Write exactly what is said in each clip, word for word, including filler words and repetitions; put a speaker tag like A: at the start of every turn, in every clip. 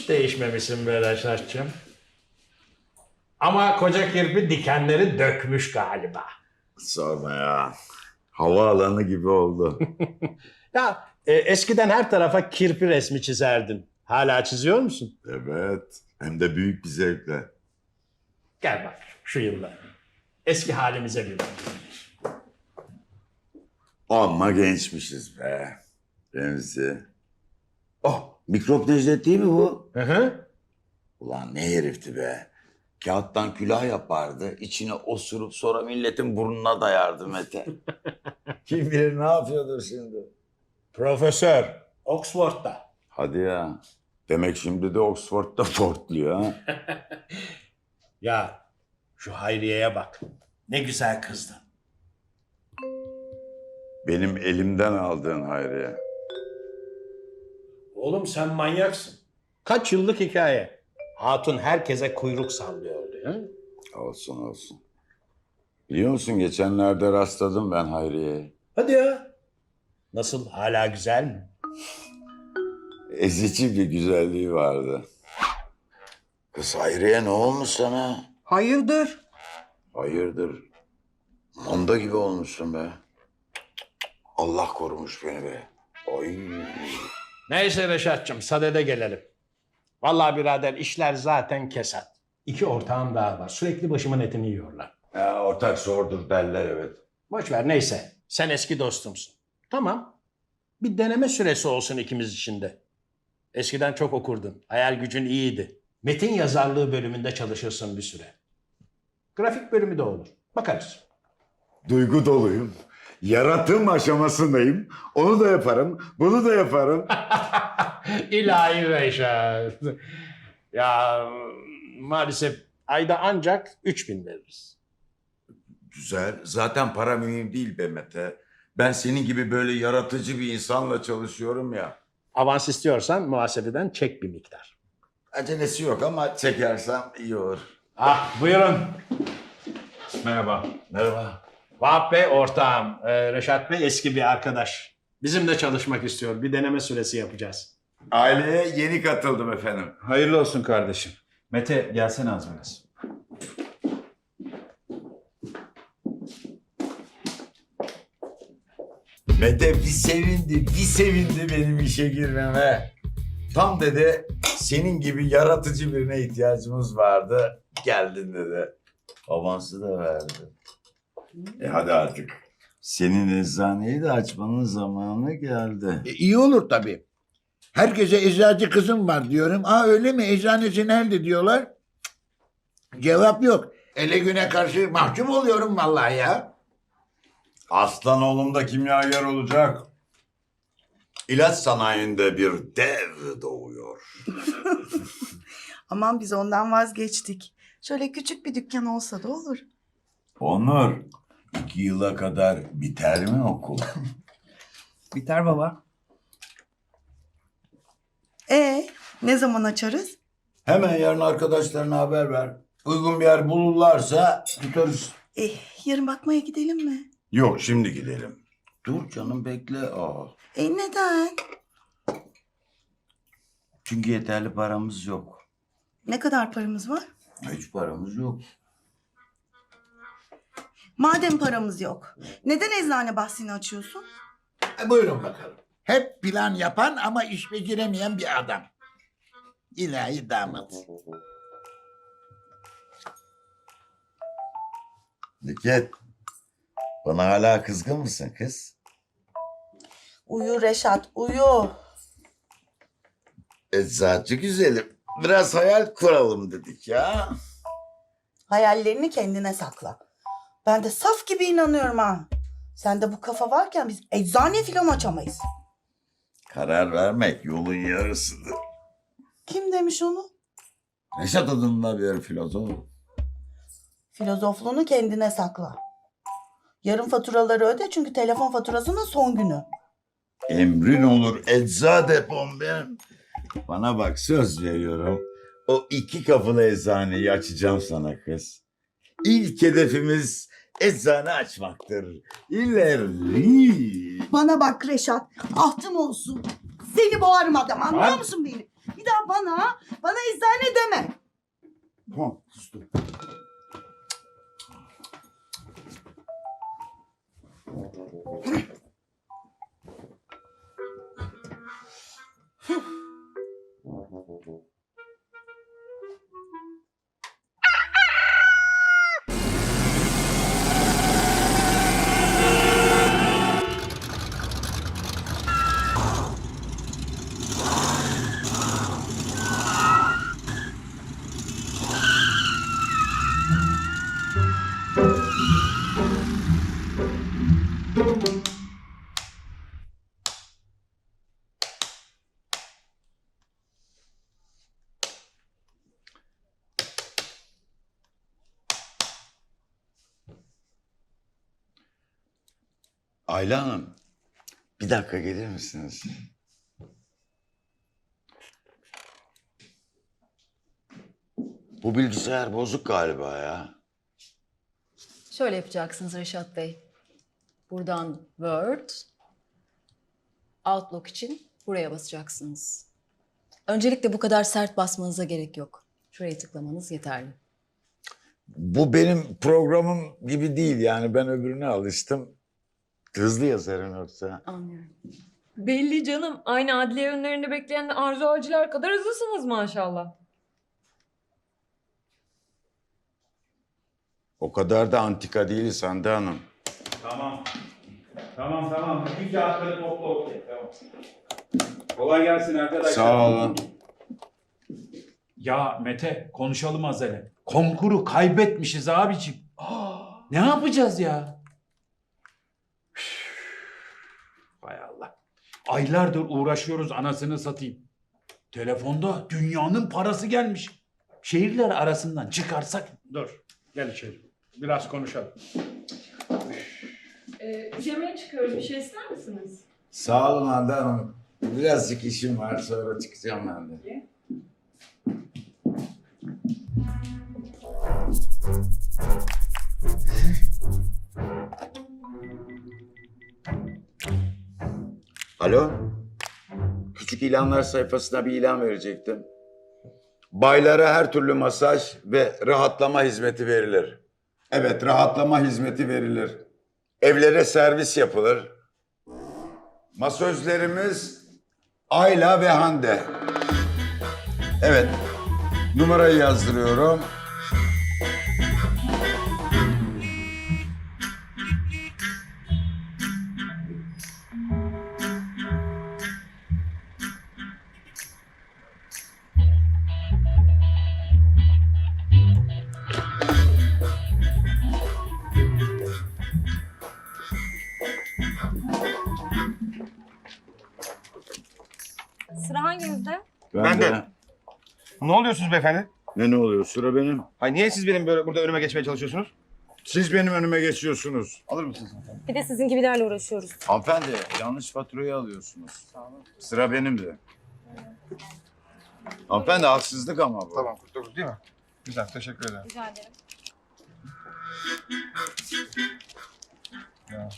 A: Hiç değişmemişsin be Reşat'cığım. Ama koca kirpi dikenleri dökmüş galiba.
B: Sorma ya. Havaalanı gibi oldu.
A: Ya e, eskiden her tarafa kirpi resmi çizerdin. Hala çiziyor musun?
B: Evet. Hem de büyük bir zevkle.
A: Gel bak şu yıllar. Eski halimize bir bak.
B: Amma gençmişiz be. Remzi. Oh, mikrop Necdet değil mi bu?
A: Hı hı.
B: Ulan ne herifti be. Kağıttan külah yapardı. İçine osurup sonra milletin burnuna dayardı Mete. Kim bilir ne yapıyordur şimdi.
A: Profesör. Oxford'da.
B: Hadi ya. Demek şimdi de Oxford'da portluyor ha.
A: Ya şu Hayriye'ye bak. Ne güzel kızdı.
B: Benim elimden aldığın Hayriye.
A: Oğlum sen manyaksın. Kaç yıllık hikaye. Hatun herkese kuyruk sallıyordu. Ya.
B: Olsun olsun. Biliyor musun geçenlerde rastladım ben Hayriye'ye.
A: Hadi ya. Nasıl, hala güzel mi?
B: Ezici bir güzelliği vardı. Kız Hayriye ne olmuş sana?
C: Hayırdır?
B: Hayırdır? Manda gibi olmuşsun be. Allah korumuş beni be. Ay.
A: Neyse Reşat'cığım, sadede gelelim. Vallahi birader işler zaten kesat. İki ortağım daha var. Sürekli başımın etini yiyorlar.
B: Ya ortak zordur derler evet.
A: Boş ver neyse. Sen eski dostumsun. Tamam. Bir deneme süresi olsun ikimiz için de. Eskiden çok okurdun. Hayal gücün iyiydi. Metin yazarlığı bölümünde çalışırsın bir süre. Grafik bölümü de olur. Bakarız.
B: Duygu doluyum. Yaratım aşamasındayım. Onu da yaparım, bunu da yaparım.
A: İlahi Reşat. Ya maalesef ayda ancak üç bin veririz.
B: Güzel. Zaten para mühim değil be Mete. Ben senin gibi böyle yaratıcı bir insanla çalışıyorum ya.
A: Avans istiyorsan muhasebeden çek bir miktar.
B: Acelesi yok ama çekersem iyi olur.
A: Ah buyurun.
D: Merhaba.
B: Merhaba.
A: Vahap Bey ortağım. Ee, Reşat Bey eski bir arkadaş. Bizimle çalışmak istiyor. Bir deneme süresi yapacağız.
B: Aileye yeni katıldım efendim.
D: Hayırlı olsun kardeşim. Mete gelsene az biraz.
B: Mete bir sevindi, bir sevindi benim işe girmeme. Tam dedi senin gibi yaratıcı birine ihtiyacımız vardı. Geldin dedi. Avansı da verdi. E hadi artık. Senin eczaneyi de açmanın zamanı geldi.
E: E, iyi olur tabii. Herkese eczacı kızım var diyorum. Aa öyle mi? Eczanesi nerede diyorlar. Cık, cevap yok. Ele güne karşı mahcup oluyorum vallahi ya.
B: Aslan oğlum da kimyager olacak. İlaç sanayinde bir dev doğuyor.
C: Aman biz ondan vazgeçtik. Şöyle küçük bir dükkan olsa da olur.
B: Onur, iki yıla kadar biter mi okul?
C: Biter baba. Ee, ne zaman açarız?
B: Hemen yarın arkadaşlarına haber ver. Uygun bir yer bulurlarsa tutarız.
C: Eh, yarın bakmaya gidelim mi?
B: Yok şimdi gidelim. Dur canım bekle. Aa.
C: E neden?
B: Çünkü yeterli paramız yok.
C: Ne kadar paramız var?
B: Hiç paramız yok.
C: Madem paramız yok, neden eczane bahsini açıyorsun?
E: E, buyurun bakalım. Hep plan yapan ama iş beceremeyen bir adam. İlahi damat.
B: Nüket, bana hala kızgın mısın kız?
C: Uyu Reşat, uyu.
B: Eczacı güzelim. Biraz hayal kuralım dedik ya.
C: Hayallerini kendine sakla. Ben de saf gibi inanıyorum ha. Sende bu kafa varken biz eczane filan açamayız.
B: Karar vermek yolun yarısıdır.
C: Kim demiş onu?
B: Reşat adında bir filozof.
C: Filozofluğunu kendine sakla. Yarın faturaları öde çünkü telefon faturasının son günü.
B: Emrin olur ecza depom benim. Bana bak söz veriyorum. O iki kapılı eczaneyi açacağım sana kız. İlk hedefimiz eczane açmaktır. İleri.
C: Bana bak Reşat, ahtım olsun. Seni boğarım adam, anlıyor musun beni? Bir daha bana, bana eczane deme.
B: Tamam sustum. Ayla Hanım, bir dakika gelir misiniz? Bu bilgisayar bozuk galiba ya.
F: Şöyle yapacaksınız Reşat Bey. Buradan Word, Outlook için buraya basacaksınız. Öncelikle bu kadar sert basmanıza gerek yok. Şuraya tıklamanız yeterli.
B: Bu benim programım gibi değil yani ben öbürüne alıştım. Hızlı yazarım yoksa.
F: Anlıyorum.
G: Belli canım. Aynı adliye önlerinde bekleyen Arzu Avcılar kadar hızlısınız maşallah.
B: O kadar da antika değiliz Hande Hanım.
D: Tamam. Tamam tamam. Bir kağıtları topla okey. Tamam. Kolay gelsin arkadaşlar.
B: Sağ olun.
D: Ya Mete konuşalım az hele. Konkuru kaybetmişiz abicim. Aa, ne yapacağız ya? Üf, hay Allah. Aylardır uğraşıyoruz anasını satayım. Telefonda dünyanın parası gelmiş. Şehirler arasından çıkarsak...
A: Dur. Gel içeri. Biraz konuşalım.
G: Ee, yemeğe çıkıyoruz. Bir şey ister misiniz?
B: Sağ olun Hande Hanım. Birazcık işim var sonra çıkacağım ben de. Alo? Küçük ilanlar sayfasına bir ilan verecektim. Baylara her türlü masaj ve rahatlama hizmeti verilir. Evet, rahatlama hizmeti verilir. Evlere servis yapılır. Masözlerimiz Ayla ve Hande. Evet, numarayı yazdırıyorum.
G: Sıra hangimizde?
B: Ben,
H: Ben de.
B: de.
H: Ne oluyorsunuz beyefendi?
B: Ne ne oluyor? Sıra benim.
H: Hayır niye siz benim böyle burada önüme geçmeye çalışıyorsunuz?
B: Siz benim önüme geçiyorsunuz.
H: Alır mısınız?
G: Bir de sizin gibilerle uğraşıyoruz.
B: Hanımefendi, yanlış faturayı alıyorsunuz. Sıra benim de. Hanımefendi, haksızlık ama bu.
H: Tamam kırk dokuz değil mi? Güzel teşekkür ederim.
G: Rica ederim.
H: Ya,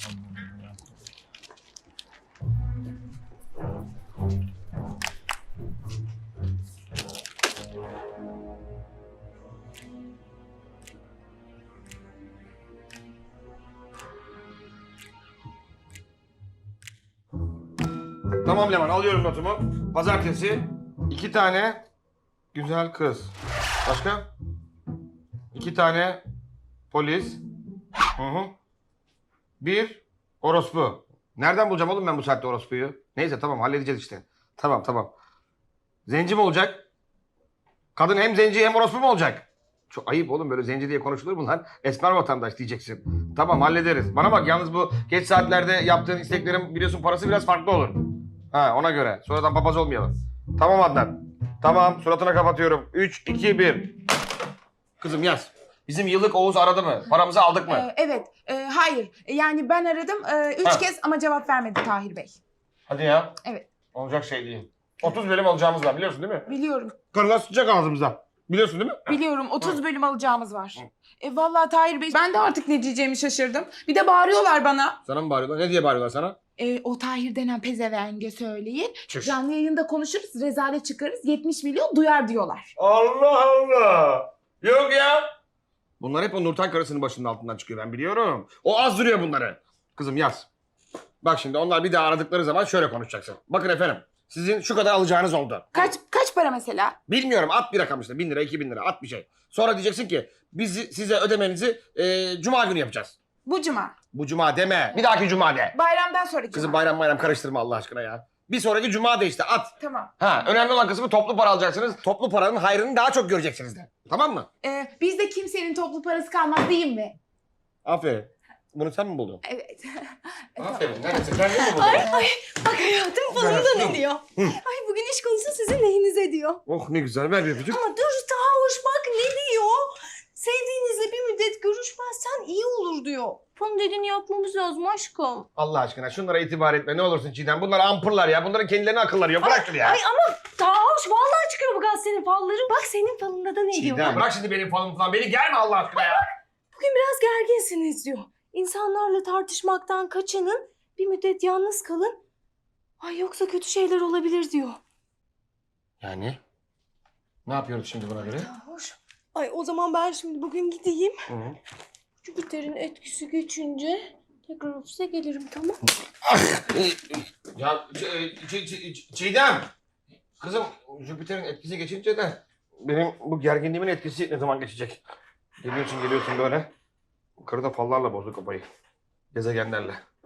H: Tamam Leman alıyorum notumu. Pazartesi iki tane güzel kız. Başka? İki tane polis. Hı hı. Bir orospu. Nereden bulacağım oğlum ben bu saatte orospuyu? Neyse tamam halledeceğiz işte. Tamam tamam. Zenci mi olacak? Kadın hem zenci hem orospu mu olacak? Çok ayıp oğlum böyle zenci diye konuşulur bunlar. Esmer vatandaş diyeceksin. Tamam hallederiz. Bana bak yalnız bu geç saatlerde yaptığın isteklerin biliyorsun parası biraz farklı olur. Ha ona göre. Sonradan papaz olmayalım. Tamam Adnan. Tamam suratına kapatıyorum. üç, iki, bir. Kızım yaz. Bizim yıllık Oğuz aradı mı? Paramızı aldık mı?
I: Ee, evet, e, hayır. Yani ben aradım e, üç
H: Ha.
I: kez ama cevap vermedi Tahir Bey.
H: Hadi ya.
I: Evet.
H: Olacak şey değil. otuz bölüm alacağımız var biliyorsun değil mi?
I: Biliyorum.
H: Karılar sıcak ağzımıza. Biliyorsun değil mi?
I: Biliyorum otuz bölüm alacağımız var. E vallahi Tahir Bey ben de artık ne diyeceğimi şaşırdım. Bir de bağırıyorlar bana.
H: Sana mı bağırıyorlar? Ne diye bağırıyorlar sana?
I: E, o Tahir denen pezevenge söyleyin.
H: Çüş.
I: Canlı yayında konuşuruz, rezalet çıkarız. yetmiş milyon duyar diyorlar.
H: Allah Allah. Yok ya. Bunlar hep o Nurten karısının başının altından çıkıyor, ben biliyorum. O azdırıyor bunları. Kızım yaz. Bak şimdi onlar bir daha aradıkları zaman şöyle konuşacaksın. Bakın efendim, sizin şu kadar alacağınız oldu.
I: Kaç kaç para mesela?
H: Bilmiyorum, at bir rakam işte. Bin lira, iki bin lira, at bir şey. Sonra diyeceksin ki biz size ödemenizi e, cuma günü yapacağız.
I: Bu cuma.
H: Bu cuma deme. Bir dahaki cuma de.
I: Bayramdan sonraki
H: Kızım
I: cuma.
H: bayram bayram karıştırma Allah aşkına ya. Bir sonraki cuma de işte at.
I: Tamam.
H: Ha, önemli olan kısmı toplu para alacaksınız. Toplu paranın hayrını daha çok göreceksiniz de. Tamam mı?
I: E, bizde kimsenin toplu parası kalmaz değil mi?
H: Aferin. Bunu sen mi buldun?
I: Evet. E,
H: Aferin. Neresi? Kendin mi buldun?
F: Bak hayatım falında ne diyor? Ay bugün iş konusu sizin lehinize diyor.
H: Oh ne güzel. Ver bir öpücük.
F: Ama dur daha hoş bak ne diyor? Sevdiğinizle bir müddet görüşmezsen iyi olur diyor. Bunun dediğini yapmamız lazım aşkım.
H: Allah aşkına şunlara itibar etme. Ne olursun Çiğdem. Bunlar ampırlar ya. Bunların kendilerine akılları yok. Bırak şunu ya.
F: Ay ama daha hoş vallahi çıkıyor bu gazetenin falları. Bak senin falında da ne diyor?
H: Çiğdem bırak şimdi benim falımı falan. Beni germe Allah aşkına ya.
F: Bugün biraz gerginsiniz diyor. İnsanlarla tartışmaktan kaçının, bir müddet yalnız kalın. Ay yoksa kötü şeyler olabilir diyor.
H: Yani? Ne yapıyoruz şimdi buna göre?
F: Ya hoş. Ay o zaman ben şimdi bugün gideyim.
H: Hı hı.
F: Jüpiter'in etkisi geçince tekrar ofise gelirim tamam.
H: Ya Ç- Ç- Ç- Çiğdem. Kızım Jüpiter'in etkisi geçince de benim bu gerginliğimin etkisi ne zaman geçecek? Geliyorsun geliyorsun böyle. Karı da fallarla bozdu kafayı. Gezegenlerle.